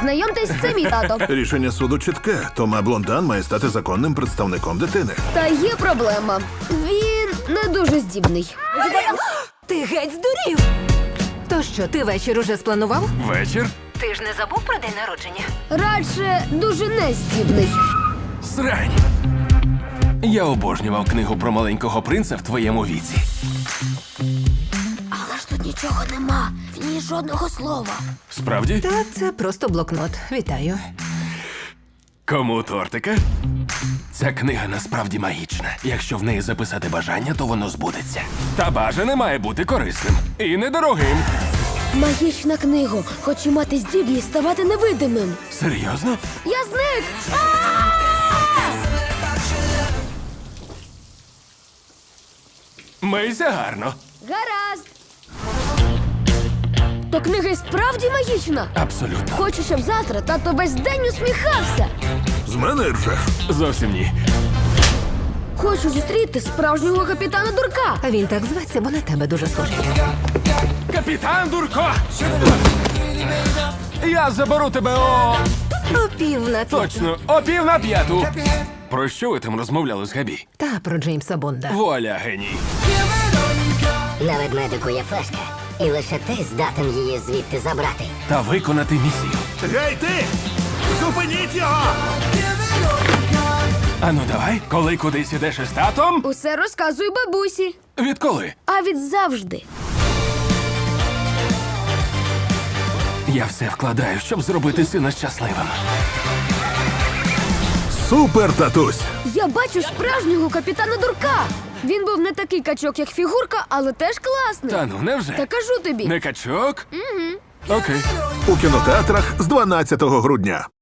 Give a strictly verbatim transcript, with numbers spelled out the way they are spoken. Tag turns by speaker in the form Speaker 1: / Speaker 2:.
Speaker 1: Знайомтесь, це мій тато.
Speaker 2: Рішення суду чітке. Тома Блондан має стати законним представником дитини.
Speaker 1: Та є проблема. Він не дуже здібний.
Speaker 3: Ти геть здурів! То що, ти вечір уже спланував?
Speaker 4: Вечір?
Speaker 3: Ти ж не забув про день народження?
Speaker 1: Радше дуже нездібний.
Speaker 4: Срань. Я обожнював книгу про маленького принца в твоєму віці.
Speaker 1: Але ж тут нічого нема. В ній жодного слова.
Speaker 4: Справді?
Speaker 3: Та це просто блокнот. Вітаю.
Speaker 4: Кому тортика? Ця книга насправді магічна. Якщо в неї записати бажання, то воно збудеться. Та бажане має бути корисним і недорогим.
Speaker 1: Магічна книга. Хочу мати здібність ставати невидимим.
Speaker 4: Серйозно?
Speaker 1: Я зник!
Speaker 4: Мийся гарно.
Speaker 1: Гаразд. То книга і справді магічна.
Speaker 4: Абсолютно.
Speaker 1: Хочу, щоб завтра тато весь день усміхався.
Speaker 2: З мене ржеш.
Speaker 4: Зовсім ні.
Speaker 1: Хочу зустріти справжнього капітана Дурка.
Speaker 3: А він так зветься, бо на тебе дуже схожий.
Speaker 4: Капітан Дурко! Я заберу тебе о...
Speaker 3: О пів на п'яту.
Speaker 4: Точно, о пів на п'яту. Про що ви там розмовляли з Габі?
Speaker 3: Та про Джеймса Бонда.
Speaker 4: Вуаля, геній.
Speaker 5: На ведмедику є флешка, і лише ти здатен її звідти забрати.
Speaker 4: Та виконати місію.
Speaker 2: Гей, ти! Зупиніть його!
Speaker 4: Ану, давай, коли кудись ідеш із татом?
Speaker 1: Усе розказую бабусі.
Speaker 4: Відколи?
Speaker 1: А від завжди.
Speaker 4: Я все вкладаю, щоб зробити сина щасливим.
Speaker 2: Супер, татусь!
Speaker 1: Я бачу справжнього капітана Дурка. Він був не такий качок, як фігурка, але теж класний.
Speaker 4: Та ну, невже?
Speaker 1: Та кажу тобі.
Speaker 4: Не качок? Угу. Окей.
Speaker 2: У кінотеатрах з дванадцятого грудня.